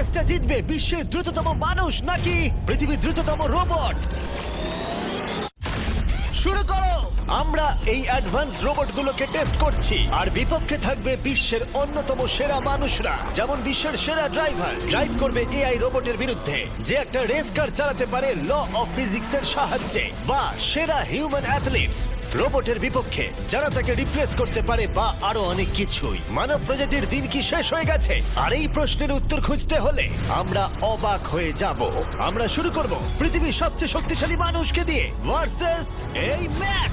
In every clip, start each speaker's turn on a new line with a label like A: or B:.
A: রেসটা জিতবে বিশ্বের দ্রুততম মানুষ নাকি পৃথিবীর দ্রুততম রোবট? শুরু করো। আমরা এই অ্যাডভান্স রোবটগুলোকে টেস্ট করছি আর বিপক্ষে থাকবে বিশ্বের অন্যতম সেরা মানুষরা, যেমন বিশ্বের সেরা ড্রাইভার ড্রাইভ করবে এআই রোবটের বিরুদ্ধে যে একটা রেস কার চালাতে পারে ল অফ ফিজিক্সের সাহায্যে, বা সেরা হিউম্যান অ্যাথলিটস রোবটের বিপক্ষে যারা তাকে রিপ্লেস করতে পারে, বা আরো অনেক কিছুই। মানব প্রজাতির দিন কি শেষ হয়ে গেছে? আর এই প্রশ্নের উত্তর খুঁজতে হলে আমরা অবাক হয়ে যাব। আমরা শুরু করব পৃথিবীর সবচেয়ে শক্তিশালী মানুষকে দিয়ে ভার্সেস এই ম্যাক।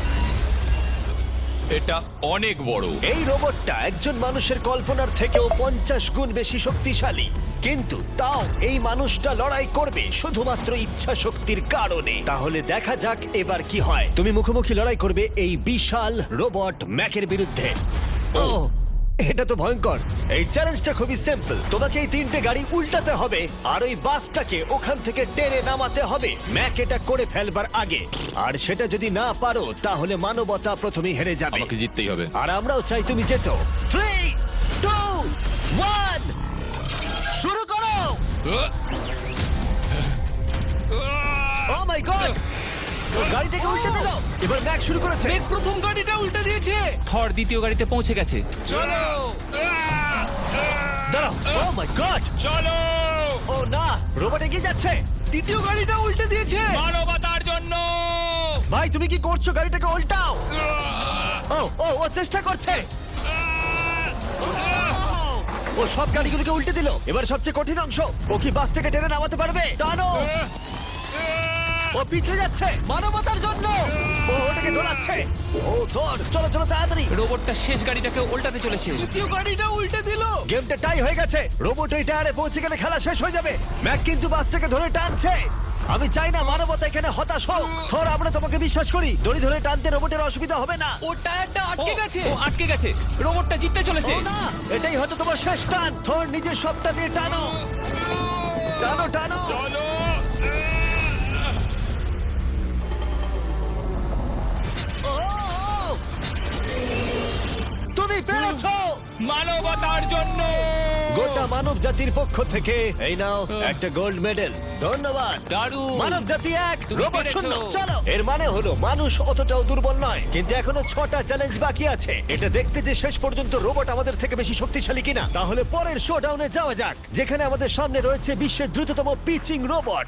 B: এটা অনেক বড়।
A: এই রোবটটা একজন মানুষের কল্পনার থেকেও 50 গুণ বেশি শক্তিশালী, কিন্তু তাও এই মানুষটা লড়াই করবে শুধুমাত্র ইচ্ছা শক্তির কারণে। তাহলে দেখা যাক এবার কি হয়। তুমি মুখোমুখি লড়াই করবে এই বিশাল রোবট ম্যাকের বিরুদ্ধে। ও, এটা তো ভয়ঙ্কর। এই চ্যালেঞ্জটা খুবই সিম্পল। তোমাকে এই 3টে গাড়ি উল্টাতে হবে আর ওই বাসটাকে ওখান থেকে টেনে নামাতে হবে ম্যাক এটা করে ফেলবার আগে। আর সেটা যদি না পারো তাহলে মানবতা প্রথমেই হেরে যাবে।
B: আমাকে জিততেই হবে।
A: আর আমরাও চাই তুমি যেতো। 3, 2, 1 শুরু করো। ও মাই গড, গাড়িটাকে উল্টে দিল। এবার ম্যাক শুরু করেছে।
C: প্রথম গাড়িটা উল্টে দিয়েছে।
D: থর দ্বিতীয় গাড়িতে পৌঁছে গেছে।
B: চলো
A: দাঁড়াও। ও মাই গড,
B: চলো,
A: ও না, রোবট এগিয়ে যাচ্ছে।
C: দ্বিতীয় গাড়িটা উল্টে দিয়েছে।
B: মানবতার জন্য।
A: ভাই তুমি কি করছো? গাড়িটাকে উল্টাও। ও ও ও চেষ্টা করছে। ও সব গাড়িগুলোকে উল্টে দিল। এবার সবচেয়ে কঠিন অংশ, ও কি বাস থেকে টেনে নামাতে পারবে? টানো। ও পিছলে যাচ্ছে মানবতার জন্য। ও ওটাকে দোলাচ্ছে। ও ধর, চলো চলো তাড়াতাড়ি।
D: রোবটটা শেষ গাড়িটাকে উল্টাতে চলেছে।
C: দ্বিতীয় গাড়িটা উল্টে দিল।
A: গেমটা টাই হয়ে গেছে। রোবট ওই টায়ারে পৌঁছে গেলে খেলা শেষ হয়ে যাবে। ম্যাক কিন্তু বাসটাকে ধরে টানছে। আমি চাই না মানবতা এখানে হতাশ হোক। থর, আমরা তোমাকে বিশ্বাস করি। দড়ি ধরে টানতে রোবটের অসুবিধা হবে না।
C: ও টায়ারটা আটকে গেছে।
D: ও আটকে গেছে। রোবটটা জিততে চলেছে।
A: ও না, এটাই হয়তো তোমার শেষ টান। থর, নিজের সবটা দিয়ে টানো। টানো টানো।
B: চলো।
A: ও, তুমি পেরেছো।
B: মানবতার জন্য।
A: গোটা মানব জাতির পক্ষ থেকে এই নাও একটা গোল্ড মেডেল। ধন্যবাদ।
D: দারুণ।
A: মানব জাতি এক,
D: তুমি
A: রোবট
D: পেরেছো।
A: শূন্য। চলো। এর মানে হলো মানুষ অতটাও দুর্বল নয়, কিন্তু এখনো 6টা চ্যালেঞ্জ বাকি আছে। এটা দেখতে যে শেষ পর্যন্ত রোবট আমাদের থেকে বেশি শক্তিশালী কিনা। তাহলে পরের শোডাউনে যাওয়া যাক, যেখানে আমাদের সামনে রয়েছে বিশ্বের দ্রুততম পিচিং রোবট।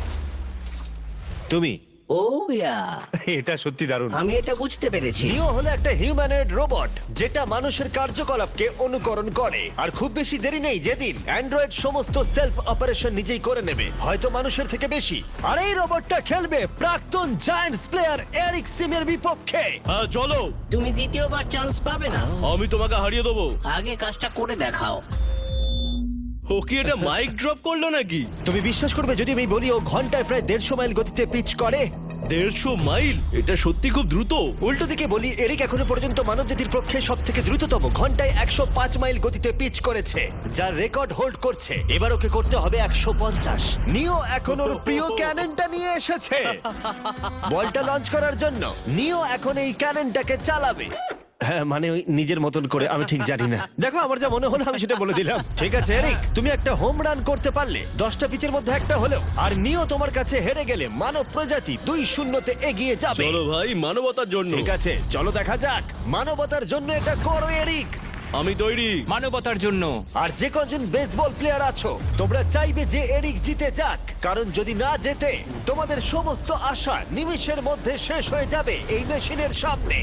A: তুমি
E: ও ইয়া,
A: এটা সত্যি দারুণ।
E: আমি এটা বুঝতে পেরেছি।
A: নিও হলো একটা হিউম্যানয়েড রোবট যেটা মানুষের কার্যকলাপকে অনুকরণ করে। আর খুব বেশি দেরি নেই যেদিন অ্যান্ড্রয়েড সমস্ত সেলফ অপারেশন নিজেই করে নেবে, হয়তো মানুষের থেকে বেশি। আর এই রোবটটা খেলবে প্রাক্তন জায়ান্টস প্লেয়ার এরিক সিমের বিপক্ষে।
F: হ্যাঁ চলো,
E: তুমি দ্বিতীয়বার চান্স পাবে না।
F: আমি তোমাকে হারিয়ে দেবো।
E: আগে কাজটা করে দেখাও।
F: ও কি এটা মাইক ড্রপ করলো নাকি?
A: তুমি বিশ্বাস করবে যদি আমি বলি ও ঘন্টায় প্রায় 150 মাইল গতিতে পিচ করে?
F: 150 মাইল? এটা সত্যি খুব দ্রুত।
A: উল্টো দিকে বলি, এরিক এখনো পর্যন্ত মানবজাতির পক্ষে সব থেকে দ্রুততম ঘন্টায় 105 মাইল গতিতে পিচ করেছে, যার রেকর্ড হোল্ড করছে। এবার ওকে করতে হবে 150। নিও এখন ওর প্রিয় ক্যাননটা নিয়ে এসেছে বলটা লঞ্চ করার জন্য। নিও এখন এই ক্যাননটাকে চালাবে। হ্যাঁ, মানে ওই নিজের মতন করে, আমি ঠিক জানি না। দেখো, আমার যা মনে হলো আমি সেটা বলে দিলাম। ঠিক আছে এরিক, তুমি একটা হোম রান করতে পারলে 10টা পিচের মধ্যে একটা হলেও। আর নিও তোমার কাছে হেরে গেলে মানব প্রজাতি 2-0 এগিয়ে যাবে।
F: চলো ভাই, মানবতার জন্য।
A: ঠিক আছে, চলো দেখা যাক। মানবতার জন্য এটা করো এরিক।
F: আমি তৈরি।
D: মানবতার জন্য।
A: আর যে কজন বেসবল প্লেয়ার আছো, তোমরা চাইবে যে এরিক জিতে যাক, কারণ যদি না জেতে তোমাদের সমস্ত আশা নিমেষের মধ্যে শেষ হয়ে যাবে এই মেশিনের সামনে।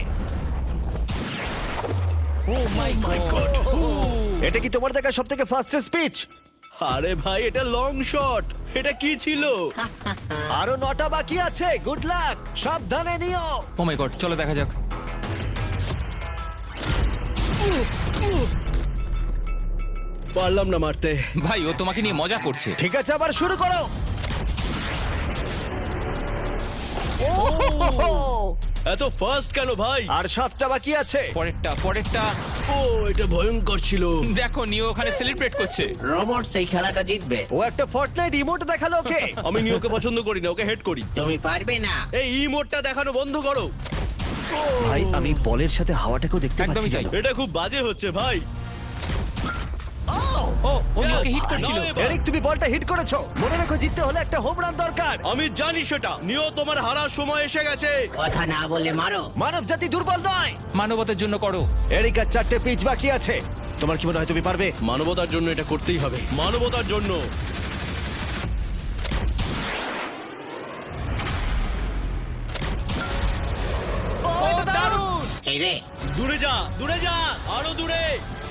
D: Oh my God.
A: এটা কি তোমার দেখা সব থেকে ফাস্টেস্ট স্পিচ?
F: আরে ভাই, এটা লং শট। এটা কি ছিল?
A: আরো 9টা বাকি আছে। গুড লাক, সাবধানে নিও।
D: ও মাই গড, চলো দেখা যাক।
F: পারলাম না মারতে।
D: ভাই, ও তোমাকে নিয়ে মজা করছে।
A: ঠিক আছে, আবার শুরু করো।
F: এত ফাস্ট কেন ভাই?
A: আর 7টা বাকি আছে।
D: পরেরটা।
F: ও, এটা ভয়ঙ্কর ছিল।
D: দেখো, নিও ওখানে সেলিব্রেট করছে।
E: রোবট সেই খেলাটা জিতবে।
A: ও একটা ফর্টনাইট ইমোট দেখালো ওকে।
F: আমি নিয়োকে পছন্দ করি না, ওকে হেড করি।
E: তুমি পারবে না।
F: এই ইমোটটা দেখানো বন্ধ করো।
A: ভাই, আমি বলের সাথে হাওয়াটাকেও দেখতে
D: একদমই
A: পাচ্ছি
D: তাই।
A: জানো?
F: এটা খুব বাজে হচ্ছে ভাই।
D: ও নিওকে হিট করছিল।
F: নাও এবার।
A: এরিক, তুমি বলটা হিট করেছো। মনে রেখো, জিততে হলে একটা হোম রান দরকার।
F: আমি জানি সেটা। নিও, তোমার হারার সময় এসে গেছে।
E: কথা না বলে মারো।
A: মানব জাতি দুর্বল নয়।
D: মানবতার জন্য করো।
A: এরিক, আর 4টে পিচ বাকি আছে। তোমার কি মনে হয় তুমি পারবে?
F: মানবতার জন্য এটা করতেই হবে। মানবতার জন্য।
A: ও, এটা দারুণ!
E: এই রে,
F: দূরে যা, দূরে যা, আরো দূরে।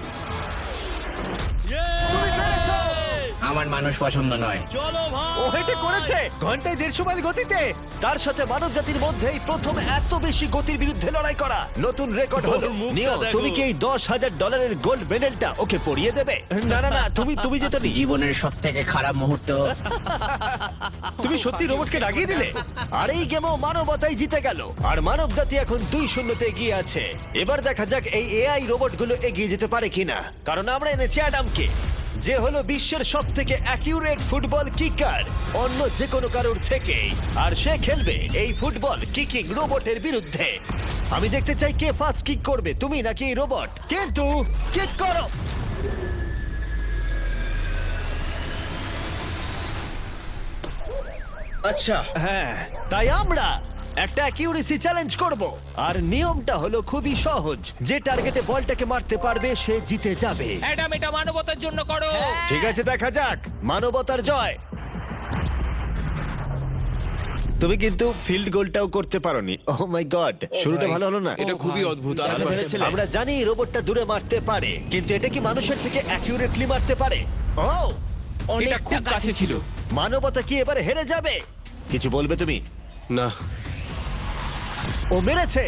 A: তুমি পেরেছো!
E: আমার মানুষ পছন্দ নয়।
F: চলো
A: ও
F: ভাই।
A: হেটে করেছে ঘন্টায় 150 মাইল গতিতে। তার সাথে মানব জাতির মধ্যেই প্রথম এত বেশি গতির বিরুদ্ধে লড়াই করা নতুন রেকর্ড হলো।
F: ওর মুখটা
A: নিও,
F: দেখো।
A: তুমি কি এই $10,000 গোল্ড মেডেলটা ওকে পরিয়ে দেবে? না না না, তুমি যেতে নি।
E: জীবনের সব থেকে খারাপ মুহূর্ত।
A: তুমি সত্যি রোবটকে ডাকিয়ে দিলে। আর এই গেমও মানবতাই জিতে গেল। আর মানব জাতি এখন 2-0 এগিয়ে আছে। এবার দেখা যাক এই এআই রোবটগুলো এগিয়ে যেতে পারে কিনা, কারণ আমরা এনেছি অ্যাডামকে, যে হলো বিশ্বের সব থেকে অ্যাকিউরেট ফুটবল কিকার অন্য যে কোনো কারোর থেকে। আর সে খেলবে এই ফুটবল কিকিং রোবটের বিরুদ্ধে। আমি দেখতে চাই কে ফার্স্ট কিক করবে, তুমি নাকি এই রোবট। কিন্তু কিক করো।
F: আচ্ছা,
A: হ্যাঁ, তাই আমরা একটা অ্যাকিউরেসি চ্যালেঞ্জ করব। আর নিয়মটা হলো খুবই সহজ, যে টার্গেটে বলটাকে মারতে পারবে সে জিতে যাবে।
D: অ্যাডাম, এটা মানবতার জন্য করো।
A: ঠিক আছে, দেখা যাক মানবতার জয়। তুমি কিন্তু ফিল্ড গোলটাও করতে পারোনি। ওহ মাই গড, শুরুটা ভালো হলো না।
F: এটা খুবই অদ্ভুত। আর
D: দেখা ছেড়েছিলে।
A: আমরা জানি রোবটটা দূরে মারতে পারে, কিন্তু এটা কি মানুষের থেকে অ্যাকিউরেটলি মারতে পারে? ও,
D: এটা খুব কাছে ছিল।
A: মানবতা কি এবারে হেরে যাবে? কিছু বলবে তুমি?
F: না,
A: ও মেরেছে।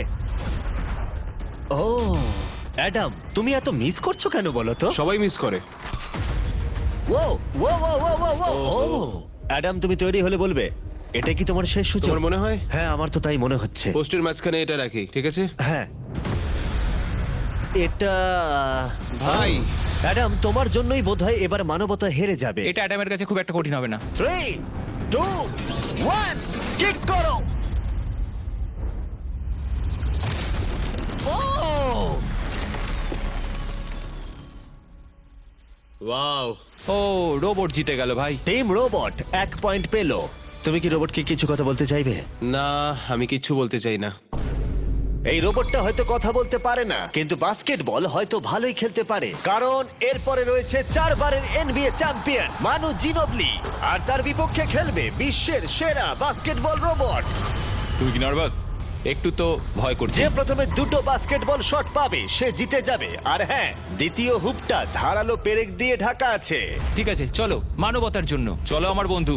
A: ও অ্যাডাম, তুমি এত মিস করছো কেন বলো তো?
F: সবাই মিস করে।
A: ও ও ও ও ও ও ও অ্যাডাম, তুমি তৈরি হলে বলবে। এটা কি তোমার শেষ সূচক?
F: তোমার মনে হয়?
A: হ্যাঁ, আমার তো তাই মনে হচ্ছে।
F: পোস্টের মাঝখানে এটা রাখি, ঠিক আছে?
A: হ্যাঁ, এটা
F: ভাই,
A: অ্যাডাম, তোমার জন্যই বোধহয় এবার মানবতা হেরে যাবে।
D: এটা অ্যাডামের কাছে খুব একটা কঠিন হবে না।
A: 3, 2, 1, কিক করো। ও,
F: ওয়াও।
D: ও, রোবট জিতে গেল ভাই।
A: টিম রোবট 1 পয়েন্ট পেল। তুমি কি রোবটকে কিছু কথা বলতে চাইবে?
F: না, আমি কিচ্ছু বলতে চাই না।
A: এই রোবটটা হয়তো কথা বলতে পারে না, কিন্তু বাস্কেটবল হয়তো ভালোই খেলতে পারে, কারণ এরপরে রয়েছে 4 বারের NBA চ্যাম্পিয়ন মানু জিনোবলি। আর তার বিপক্ষে খেলবে বিশ্বের সেরা বাস্কেটবল রোবট।
B: তুমি কি নার্ভাস?
D: একটু তো ভয় করছে।
A: যে প্রথমে 2টো বাস্কেটবল শট পাবে সে জিতে যাবে। আর হ্যাঁ, দ্বিতীয় হুপটা ধারালো পেরেক দিয়ে ঢাকা আছে।
D: ঠিক আছে, চলো মানবতার জন্য। চলো আমার বন্ধু।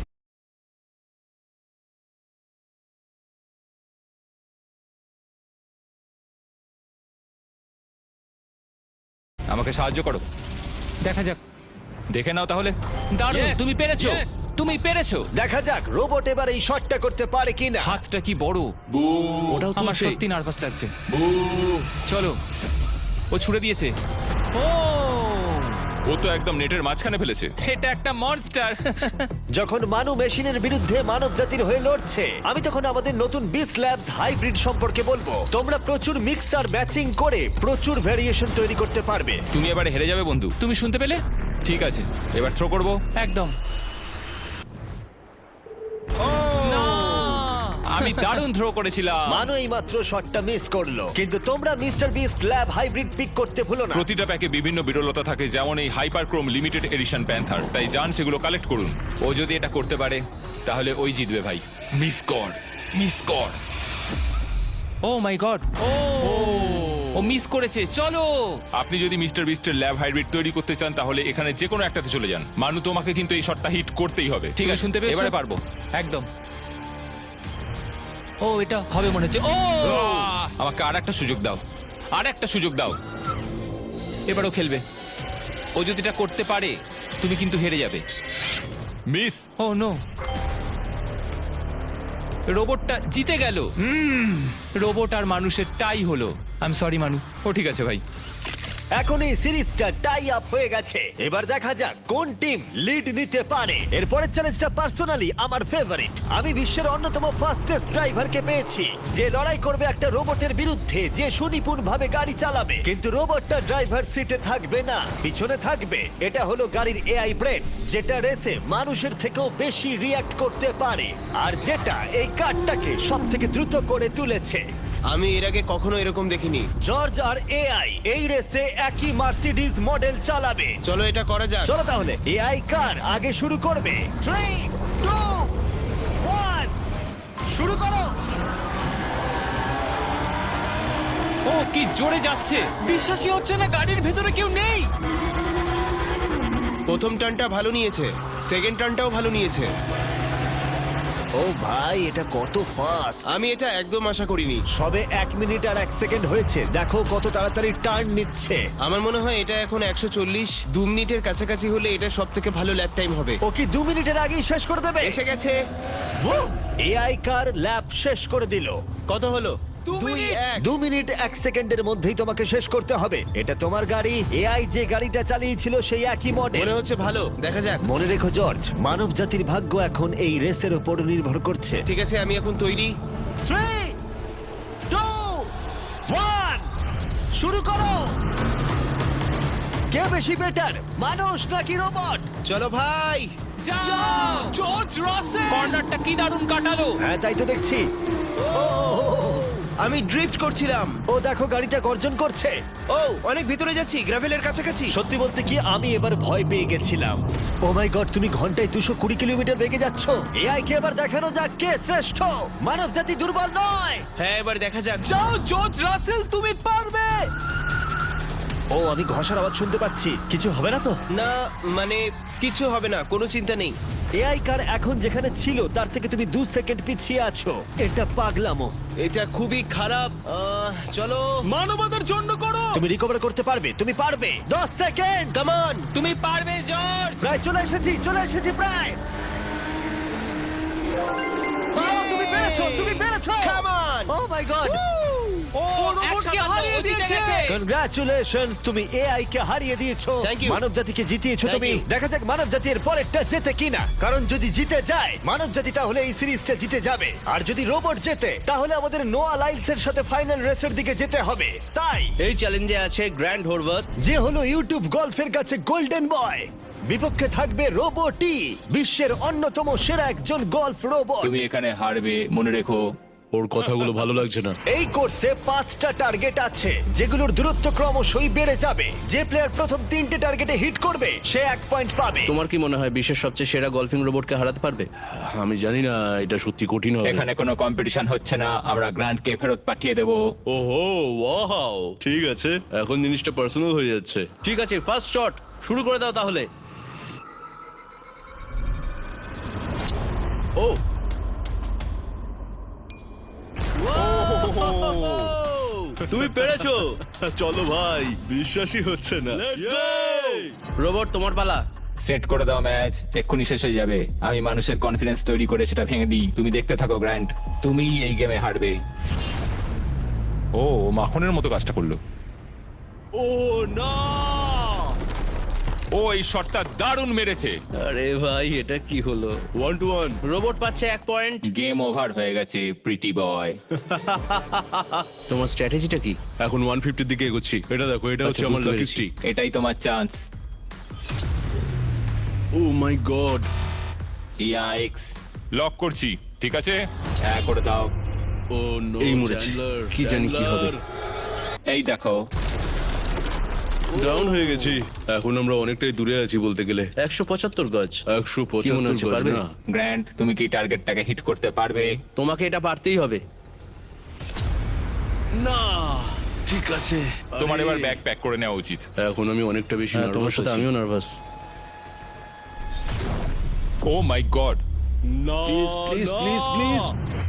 D: আমাকে সাহায্য করো। দেখা যাক। দেখে নাও তাহলে। দারুণ,
B: Yes!
D: তুমি পেরেছো।
B: Yes!
D: তুমি পেরেছো।
A: দেখা যাক রোবট এবার এই শটটা করতে পারে কিনা।
D: হাতটা কি বড়।
F: ওটাও
D: আমার
F: তুলছে।
D: সত্যি নার্ভাস লাগছে। চলো, ও ছুড়ে দিয়েছে। ও,
B: ও তো একদম নেটের মাঝখানে ফেলেছে।
D: এটা একটা মনস্টার।
A: যখন মানু মেশিনের বিরুদ্ধে মানব জাতির হয়ে লড়ছে, আমি তখন আমাদের নতুন বিস্ট ল্যাবস হাইব্রিড সম্পর্কে বলবো। তোমরা প্রচুর মিক্সার ম্যাচিং করে প্রচুর ভেরিয়েশন তৈরি করতে পারবে।
B: তুমি এবারে হেরে যাবে বন্ধু।
D: তুমি শুনতে পেলে?
B: ঠিক আছে, এবার থ্রো করবো।
D: একদম না।
B: আমি দারুণ থ্রো করেছিলাম।
A: মানু এইমাত্র শটটা মিস করলো, কিন্তু তোমরা mister Beast lab hybrid pick করতে ভুলো না।
B: প্রতিটা প্যাকে বিভিন্ন বিরলতা থাকে, যেমন এই হাইপারক্রোম লিমিটেড এডিশন প্যান্থার। তাই যান সেগুলো কালেক্ট করুন।
D: ও যদি এটা করতে পারে
B: তাহলে ওই জিতবে ভাই। মিস কর, মিস কর।
D: ও মাই গড। ও মিস করেছে। চলো।
B: আপনি যদি মিস্টার বিস্টের ল্যাব হাইব্রিড তৈরি করতে চান তাহলে এখানে যে কোনো একটাতে চলে যান। মানু, তোমাকে কিন্তু এই শটটা হিট করতেই হবে।
D: ঠিক আছে, শুনতে পেয়েছো?
B: এবারে পারবো।
D: একদম। ও, এটা হবে মনে হচ্ছে। ও,
B: আমাকে আর একটা সুযোগ দাও, আর একটা সুযোগ দাও।
D: এবারও খেলবে। ও যদি এটা করতে পারে তুমি কিন্তু হেরে যাবে।
B: মিস।
D: ও নো, রোবটটা জিতে গেল। রোবট আর মানুষের টাই হলো। আই এম সরি মানু।
B: ও ঠিক আছে ভাই।
A: এখন এই সিরিজটা টাই আপ হয়ে গেছে। এবার দেখা যাক কোন টিম লিড নিতে পারে। এরপরের চ্যালেঞ্জটা পার্সোনালি আমার ফেভারিট। আমি বিশ্বের অন্যতম ফাস্টেস্ট ড্রাইভারকে পেয়েছি, যে লড়াই করবে একটা রোবটের বিরুদ্ধে, যে সুনিপুণ ভাবে গাড়ি চালাবে। কিন্তু রোবটটা ড্রাইভার সিটে থাকবে না, পিছনে থাকবে। এটা হলো গাড়ির এআই ব্রেন, যেটা রেসে মানুষের থেকেও বেশি রিয়্যাক্ট করতে পারে, আর যেটা এই কারটাকে সব থেকে দ্রুত করে তুলেছে।
G: আমি এর আগে কখনো এরকম দেখিনি।
A: জর্জ আর এআই এই রেসে একই মার্সিডিজ মডেল চালাবে।
G: চলো এটা করা যাক।
A: চলো তাহলে এআই কার আগে শুরু করবে। 3, 2, 1 শুরু করো।
D: ও কি জোরে যাচ্ছে!
C: বিশ্বাসই হচ্ছে না গাড়ির ভেতরে কেউ নেই।
G: প্রথম টার্নটা ভালো নিয়েছে, সেকেন্ড টার্নটাও ভালো নিয়েছে।
A: ও ভাই, এটা কত ফাস্ট!
G: আমি এটা একদম আশা করিনি।
A: সবে 1 মিনিট আর 1 সেকেন্ড হয়েছে, দেখো কত তাড়াতাড়ি টার্ন নিচ্ছে।
G: আমার মনে হয় এটা এখন 140, 2 মিনিটের কাছাকাছি হলে এটা সব থেকে ভালো ল্যাপ টাইম হবে।
A: ও কি 2 মিনিটের আগেই শেষ করে দেবে?
G: এসে গেছে।
A: এআই কার ল্যাব শেষ করে দিল।
G: কত হলো?
C: 2 মিনিট।
A: 2 মিনিট 1 সেকেন্ডের মধ্যেই তোমাকে শেষ করতে হবে। এটা তোমার গাড়ি, এআই যে গাড়িটা চালিয়েছিল সেই একই মডেল।
G: মনে হচ্ছে ভালো, দেখা যাক।
A: মনে রেখো জর্জ, মানব জাতির ভাগ্য এখন এই রেসের উপর নির্ভর করছে।
G: ঠিক আছে, আমি এখন তৈরি।
A: 3, 2, 1 শুরু করো। কে বেশি বেটার, মানুষ নাকি রোবট?
G: চলো ভাই।
D: যাও!
C: জর্জ রাসেল।
D: কর্নারটা কি দারুণ কাটালো!
A: হ্যাঁ, তাই তো দেখছি।
G: আমি ড্রিফট করছিলাম।
A: ও দেখো, গাড়িটা গর্জন করছে।
G: ও অনেক ভিতরে যাচ্ছি, গ্রাভেলের কাছাকাছি।
A: সত্যি বলতে কি, আমি এবার ভয় পেয়ে গেছিলাম। ও মাই গড, তুমি ঘন্টায় 220 কিলোমিটার বেগে যাচ্ছ। এআই কে এবার দেখানো যাক কে শ্রেষ্ঠ। মানব জাতি দুর্বল নয়।
G: হ্যাঁ, এবার দেখা যাক।
C: যাও জর্জ রাসেল, তুমি পারবে।
A: ও, আমি ঘষার আওয়াজ শুনতে পাচ্ছি। কিছু হবে না তো?
G: না, মানে কিছু হবে না, কোনো চিন্তা নেই।
A: এআই কার এখন যেখানে ছিল তার থেকে তুমি 2 সেকেন্ড পিছিয়ে আছো। এটা পাগলামো।
G: এটা খুবই খারাপ। চলো।
C: মানবতার জন্য করো।
A: তুমি রিকভার করতে পারবে, তুমি পারবে। 10 সেকেন্ড, কাম অন।
D: তুমি পারবে জর্জ!
A: প্রায় চলে এসেছি প্রায়। ও, তুমি পেরেছো, তুমি পেরেছো।
G: Come on.
A: O my god,
C: ও রোবটকে হারিয়ে দিয়েছে।
A: কনগ্রাচুলেশনস, তুমি এআই কে হারিয়ে দিয়েছো।
G: Thank you.
A: মানব জাতিকে জিতিয়েছো
G: Thank
A: তুমি।
G: you.
A: দেখা যাক মানব জাতির পরেরটা জেতে কিনা। কারণ যদি জিতে যায় মানব জাতি, তাহলে এই সিরিজটা জিতে যাবে। আর যদি রোবট জেতে, তাহলে আমাদের নোয়া লাইলসের সাথে ফাইনাল রেসের দিকে যেতে হবে। তাই
G: এই চ্যালেঞ্জে আছে গ্র্যান্ড হোরভাত।
A: যে হলো ইউটিউব গল্ফের কাছে গোল্ডেন বয়, বিপক্ষে থাকবে রোবটই, বিশ্বের অন্যতম সেরা একজন গল্ফ রোবট।
D: তুমি এখানে হারবে, মনে রেখো।
F: ওর কথাগুলো ভালো লাগছে না।
A: এই কোর্সে 5টা টার্গেট আছে, যেগুলোর দূরত্ব ক্রমশই বেড়ে যাবে। যে প্লেয়ার প্রথম 3টে টার্গেটে হিট করবে সে 1 পয়েন্ট পাবে।
H: তোমার কি মনে হয় বিশ্বের সবচেয়ে সেরা গলফিং রোবটকে হারাতে পারবে?
F: আমি জানি না, এটা সত্যি কঠিন হবে।
D: এখানে কোনো কম্পিটিশন হচ্ছে না, আমরা গ্র্যান্ডকে ফেরত পাঠিয়ে দেবো।
F: ওহো, ওয়াও, ঠিক আছে, এখন জিনিসটা পার্সোনাল হয়ে যাচ্ছে।
H: ঠিক আছে, ফার্স্ট শট শুরু করে দাও তাহলে।
F: ও, তুমি পেরেছো। চলো ভাই, বিশ্বাসই হচ্ছে না।
H: রোবট তোমার পালা।
D: সেট করে দাও ম্যাচ, এক্ষুনি শেষ হয়ে যাবে। আমি মানুষের কনফিডেন্স তৈরি করে সেটা ভেঙে দিই। তুমি দেখতে থাকো গ্র্যান্ড, তুমি এই গেমে হারবে।
B: ও মাখনের মতো কাজটা করলো।
F: ও না,
B: ও এই শটটা দারুণ মেরেছে।
H: আরে ভাই, এটা কি হলো?
F: 1-1।
H: রোবট পাচ্ছে 1 পয়েন্ট।
D: গেম ওভার হয়ে গেছে প্রিটি বয়।
H: তোমার স্ট্র্যাটেজিটা কি?
F: এখন 150 দিকে এগোচ্ছি। এটা দেখো, এটা হচ্ছে
H: আচ্ছা,
F: আমার
H: বুঝতে
F: লাকি
H: পেরেছি।
F: স্ট্রিক।
D: এটাই তোমার chance.
F: Oh my God.
D: Yikes,
B: lock করছি, ঠিক আছে?
D: হ্যাঁ করে দাও।
F: ও নো,
H: এই মরেছে। কি জানি কি হবে।
D: এই দেখো,
F: ডাউন হয়ে গেছি। এখন আমরা অনেকটাই দূরে আছি বলতে গেলে।
H: 175 গজ।
F: 175
H: কি মনে হচ্ছে,
F: গজ
H: পারবে?
F: না।
D: গ্র্যান্ড তুমি কি টার্গেটটাকে হিট করতে পারবে?
H: তোমাকে এটা পারতেই হবে।
F: না, ঠিক আছে।
B: তোমার
F: আরে,
B: এবার ব্যাগ প্যাক করে নেওয়া উচিত।
F: এখন আমি অনেকটা বেশি
H: হ্যাঁ, তোমার
F: নার্ভাস
H: সাথে
F: আছি।
H: আমিও নার্ভাস।
B: ও মাই গড,
F: না,
H: Please, please,
F: না।
H: please, please.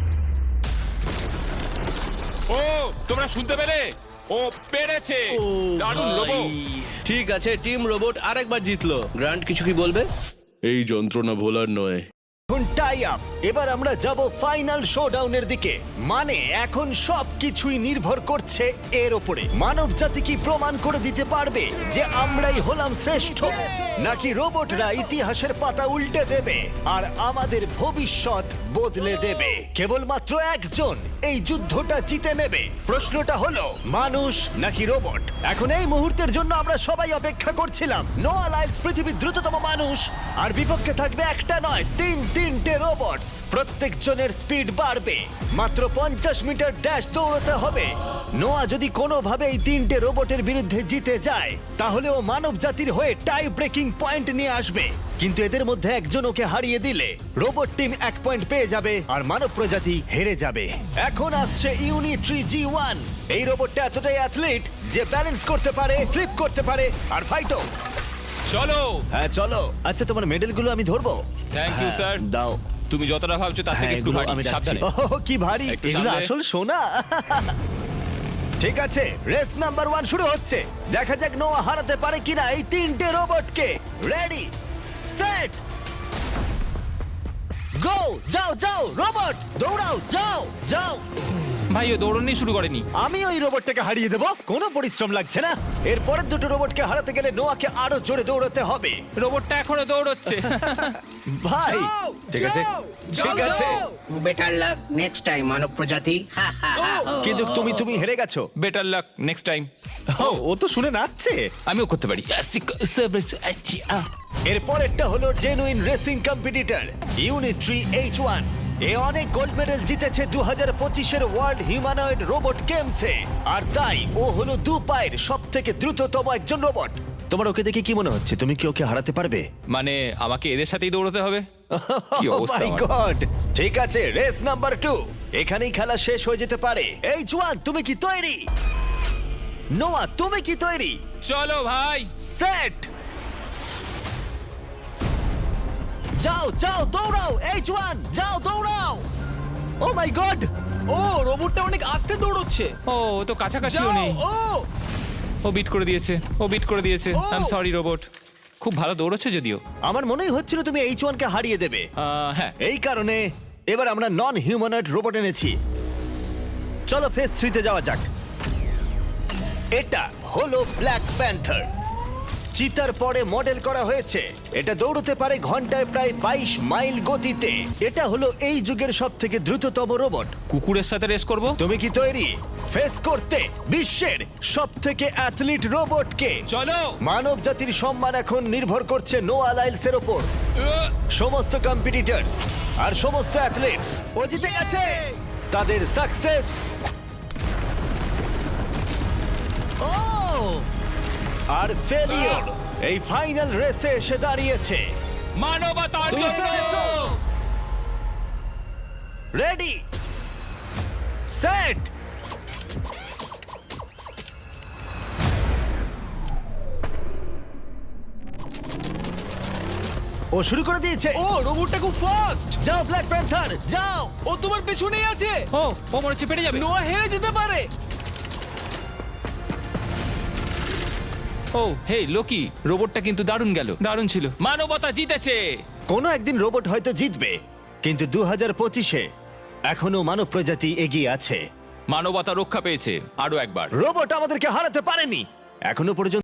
B: ও তোমরা শুনতে পেলে? ও পেরেছে। দারুণ লোবো।
H: ঠিক আছে, টিম রোবট আরেকবার জিতলো। গ্র্যান্ড কিছু কি বলবে?
F: এই যন্ত্রণা ভোলার নয়।
A: এখন টাই আপ। এবার আমরা যাব ফাইনাল শোডাউনের দিকে, মানে এখন সবকিছুই নির্ভর করছে এর ওপরে। মানব জাতি কি প্রমাণ করে দিতে পারবে যে আমরাই হলাম শ্রেষ্ঠ, নাকি রোবটরা ইতিহাসের পাতা উল্টে দেবে আর আমাদের ভবিষ্যৎ বদলে দেবে? কেবলমাত্র একজন এই যুদ্ধটা জিতে নেবে। প্রশ্নটা হলো মানুষ নাকি রোবট। এখন এই মুহূর্তের জন্য আমরা সবাই অপেক্ষা করছিলাম। নোয়া লাইলস পৃথিবীর দ্রুততম মানুষ, আর বিপক্ষে থাকবে একটা নয় তিনটে রোবট। প্রত্যেকজনের স্পিড বাড়বে। মাত্র 50 মিটার ড্যাশ দৌড়াতে হবে। নোয়া যদি কোনোভাবে এই তিনটে রোবটের বিরুদ্ধে জিতে যায়, তাহলে ও মানব জাতির হয়ে টাই ব্রেকিং পয়েন্ট নিয়ে আসবে। কিন্তু এদের মধ্যে একজন ওকে হারিয়ে দিলে রোবট টিম 1 পয়েন্ট পেয়ে যাবে আর মানব প্রজাতি হেরে যাবে। এখন আসছে ইউনিট্রি G1। এই রোবটটা এতটাই অ্যাথলিট যে ব্যালেন্স করতে পারে, ফ্লিপ করতে পারে আর ফাইটও।
B: চলো।
A: হ্যাঁ চলো। আচ্ছা, তোমার মেডেলগুলো আমি ধরবো?
B: Thank you,
A: হ্যাঁ,
B: sir.
A: দাও।
B: তুমি যতটা ভাবছো তার থেকে
A: হ্যাঁ,
B: একটু
A: এগুলো
B: ভারী।
A: আমি রাখছি।
B: সাবধানে।
A: ওহ, কি ভারী!
B: একটু
A: এগুলো
B: সামলে।
A: আসল সোনা। ঠিক আছে, রেস নাম্বার 1 শুরু হচ্ছে। দেখা যাক নোয়া হারাতে পারে কিনা এই তিনটে রোবটকে। Ready, set, go! যাও যাও রোবট, দৌড়াও, যাও যাও।
B: ভাই ও দৌড়নি শুরু করেনি।
A: আমি ওই রোবটটাকে হারিয়ে দেবো, কোনো পরিশ্রম লাগছে না। এর পরের দুটো রোবটকে হারাতে গেলে নোয়াকে আরো জোরে দৌড়াতে হবে।
B: রোবটটা এখনো দৌড়চ্ছে।
A: ভাই
C: যাও,
A: ঠিক আছে,
C: যাও,
A: ঠিক
C: যাও,
A: আছে,
C: যাও।
E: বেটার লাক নেক্সট টাইম মানব প্রজাতি। হা, হা, হা।
A: কিন্তু তুমি হেরে গেছো।
B: Better luck next time.
A: ও তো শুনে নাচছে।
B: আমিও করতে পারি।
A: এর পরেরটা হলো genuine racing competitor Unitree H1। এ অনেক গোল্ড মেডেল জিতেছে 2025-এর ওয়ার্ল্ড হিউম্যানয়েড রোবট গেমসে, আর তাই ও হলো 2 পায়ের সবথেকে দ্রুততম একজন রোবট। তোমার ওকে দেখে কি মনে হচ্ছে? তুমি কি ওকে হারাতে পারবে?
B: মানে আমাকে এদের সাথেই দৌড়তে হবে? কি অবস্থা
A: মাই
B: আমার।
A: গড! ঠিক আছে, রেস নাম্বার 2। এখানেই খেলা শেষ হয়ে যেতে পারে। H1, তুমি কি তৈরি? নোয়া, তুমি কি তৈরি?
B: চলো ভাই।
A: সেট, যাও যাও দৌড়াও। H1, যাও দৌড়াও। ও মাই গড!
C: ও রোবটটা অনেক আস্তে দৌড়চ্ছে।
B: ও ও তো কাছাকাছিও
C: যাও,
B: নেই। ও বিট করে দিয়েছে, ও বিট করে দিয়েছে।
C: ও।
B: I am sorry robot. খুব ভালো দৌড়চ্ছে যদিও।
A: আমার মনেই হচ্ছিল তুমি H1 কে হারিয়ে দেবে।
B: হ্যাঁ।
A: এই কারণে এবার আমরা নন হিউম্যানয়েড রোবট এনেছি। চলো ফেজ 3 তে যাওয়া যাক। এটা হলো ব্ল্যাক প্যান্থার। চিতার পরে মডেল করা হয়েছে। এটা দৌড়তে পারে ঘন্টায় প্রায় 22 মাইল গতিতে। এটা হলো এই যুগের সবথেকে দ্রুততম রোবট।
B: কুকুরের সাথে রেস করব।
A: তুমি কি তৈরি ফেস করতে বিশ্বের সবথেকে অ্যাথলিট রোবটকে?
B: চলো।
A: মানব জাতির সম্মান এখন নির্ভর করছে নোয়া লাইলসের ওপর। সমস্ত কম্পিটিটরস আর সমস্ত অ্যাথলিটস ও জিতে গেছে। তাদের সাকসেস ও আর ফেলিওর এই ফাইনাল রেসে এসে দাঁড়িয়েছে।
B: মানবতার
A: তুমি
B: জন্য।
A: পেরেছো। রেডি, সেট, ও শুরু করে দিয়েছে।
C: ও রোবটটা খুব ফাস্ট।
A: যাও ব্ল্যাক প্যান্থার, যাও।
C: ও তোমার পেছনেই আছে।
B: ও ও মনে হচ্ছে পেরে যাবে।
C: নোয়া হেরে যেতে পারে।
B: ও হে লোকি, রোবটটা কিন্তু দারুণ গেল, দারুণ ছিল। মানবতা জিতেছে।
A: কোনো একদিন রোবট হয়তো জিতবে, কিন্তু 2025-এ এখনো মানব প্রজাতি এগিয়ে আছে।
B: মানবতা রক্ষা পেয়েছে আরো একবার।
A: রোবট আমাদেরকে হারাতে পারেনি এখনো পর্যন্ত।